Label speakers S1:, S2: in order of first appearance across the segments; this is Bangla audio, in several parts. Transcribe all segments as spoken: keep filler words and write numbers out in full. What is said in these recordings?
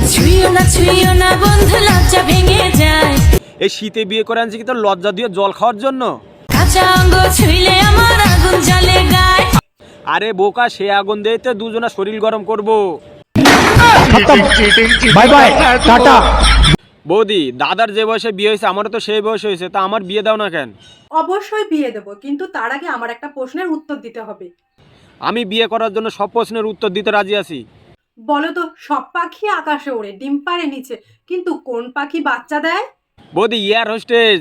S1: ছুঁইও না ছুঁইও না বন্ধু লজ্জা ভেঙে যায়।
S2: এই শীতে বিয়ে করে আনছি কি তোর লজ্জা দিয়ে জল খাওয়ার জন্য?
S1: কাঁচা অঙ্গ ছুঁইলে আমার আগুন জ্বলে গায়।
S2: আরে বোকা, সে আগুন দিয়ে তো দুজনা শরীর গরম করব।
S3: Bye bye tata.
S2: বৌদি, দাদার যে বয়সে বিয়ে হয়েছে আমারও তো সেই বয়স হয়েছে, তা আমার বিয়ে দাও না কেন?
S4: অবশ্যই বিয়ে দেবো, কিন্তু তার আগে আমার একটা প্রশ্নের উত্তর দিতে হবে।
S2: আমি বিয়ে করার জন্য সব প্রশ্নের উত্তর দিতে রাজি আছি।
S4: বলো তো, সব পাখি আকাশে ওড়ে, ডিম পাড়ে নিচে, কিন্তু কোন পাখি বাচ্চা দেয়?
S2: বৌদি, এয়ার হোস্টেজ।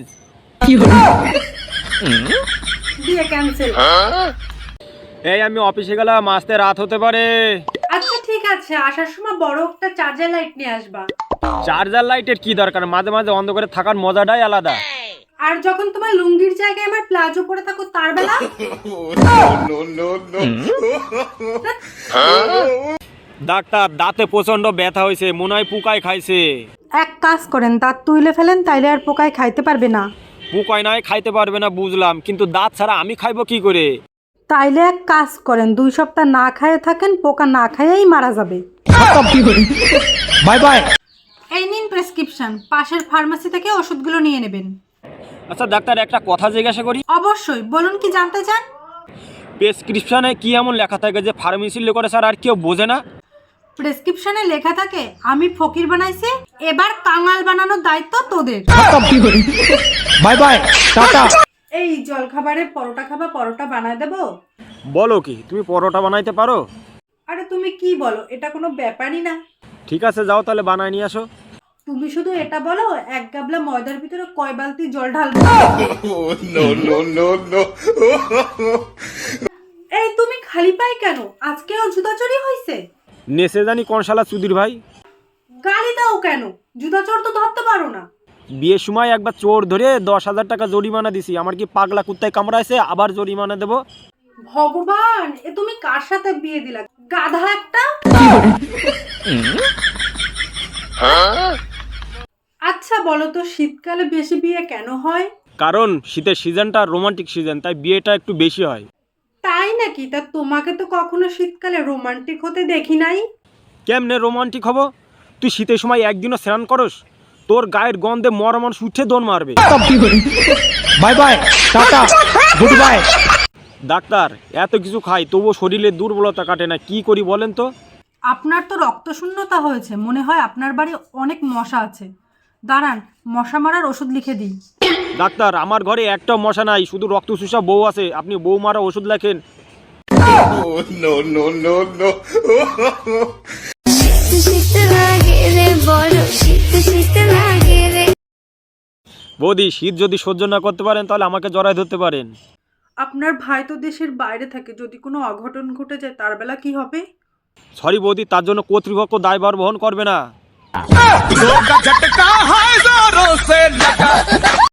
S4: বিয়ে ক্যান্সেল।
S2: এই আমি অফিসে গেলাম, আসতে রাত হতে পারে।
S4: আচ্ছা ঠিক আছে, আসার সময় বড় একটা চার্জার লাইট নিয়ে আসবা।
S2: চার্জার লাইটের কি দরকার? মাঝে মাঝে অন্ধকারে থাকার মজাটাই আলাদা।
S4: আর যখন তোমার লুঙ্গির জায়গায় আমার প্লাজো পরে থাকো তার বেলা?
S2: ডাক্তার, দাঁতে প্রচন্ড ব্যথা হয়েছে, মনে হয় পোকায় খাইছে।
S4: এক কাজ করেন, দাঁত তুলে ফেলেন, তাইলে আর পোকায় খাইতে পারবে না।
S2: পোকায় নয় খাইতে পারবে না বুঝলাম, কিন্তু দাঁত ছাড়া আমি খাইবো কি করে?
S4: তাইলে এক কাজ করেন, দুই সপ্তাহ না খায়ে থাকেন, পোকা না খাইয়েই মারা যাবে।
S3: Bye bye.
S4: এই নিন প্রেসক্রিপশন, পাশের ফার্মেসি থেকে ওষুধগুলো নিয়ে নেবেন।
S2: আচ্ছা ডাক্তার, একটা কথা জিজ্ঞাসা করি?
S4: অবশ্যই, বলুন কি জানতে চান?
S2: প্রেসক্রিপশনে কি এমন লেখা থাকে যে ফার্মেসির লোকেরা স্যার আর কেউ বোঝে না?
S4: প্রেসক্রিপশনে লেখা থাকে আমি ফকির বানাইছি, এবার কাঙাল বানানোর দায়িত্ব তোদের।
S3: Bye bye tata.
S4: এই জলখাবারে পরোটা খাবা, পরোটা বানায় দেবো?
S2: বলো কি, তুমি পরোটা বানাইতে পারো?
S4: আরে তুমি কি বলো, এটা কোনো ব্যাপারই না।
S2: ঠিক আছে, যাও তাহলে বানায় নিয়ে আসো।
S4: তুমি শুধু এটা বলো, এক গাবলা ময়দার ভিতরে কয় বালতি জল ঢালবো? এই তুমি খালি পাই কেন? আজকেও জুতা চুরি হয়েছে?
S2: নেসে জানি কোন শালা চুদির ভাই।
S4: গালি দাও কেন? জুতা চোর তো ধরতে পারো না।
S2: বিয়ের সময় একবার চোর ধরে দশ হাজার টাকা জরিমানা দিছি। আমার কি পাগলা কুত্তায় কামড়াইছে আবার জরিমানা দেবো?
S4: ভগবান, এ তুমি কার সাথে বিয়ে দিলা, গাধা একটা। আচ্ছা বলো তো, শীতকালে বেশি বিয়ে কেন হয়?
S2: কারণ শীতের সিজনটা রোমান্টিক সিজন, তাই বিয়েটা একটু বেশি হয়।
S4: তাই নাকি? তা তোমাকে তো কখনো শীতকালে রোমান্টিক হতে দেখি নাই।
S2: কেমনে রোমান্টিক হবো? তুই শীতের সময় একদিনও স্নান করস? তোর গায়ের গন্ধে মরা মানুষ উঠে দৌড় মারবে।
S3: Bye bye tata goodbye.
S2: Doctor, এত কিছু খাই তবুও শরীরে দুর্বলতা কাটে না, কি করি বলেন তো?
S4: আপনার তো রক্তশূন্যতা হয়েছে, মনে হয় আপনার বাড়ি অনেক মশা আছে। দাঁড়ান, মশা মারার ওষুধ লিখে দিই।
S2: ডাক্তার, আমার ঘরে একটা মশা নাই, শুধু রক্ত চুষা বউ আছে, আপনি বউ মারা ওষুধ লেখেন। বৌদি, শীত যদি সহ্য না করতে পারেন তাহলে আমাকে জড়ায় ধরতে পারেন।
S4: আপনার ভাই তো দেশের বাইরে থাকে, যদি কোনো অঘটন ঘটে যায় তার বেলা কি হবে?
S2: সরি বৌদি, তার জন্য কর্তৃপক্ষ দায়ভার বহন করবে না।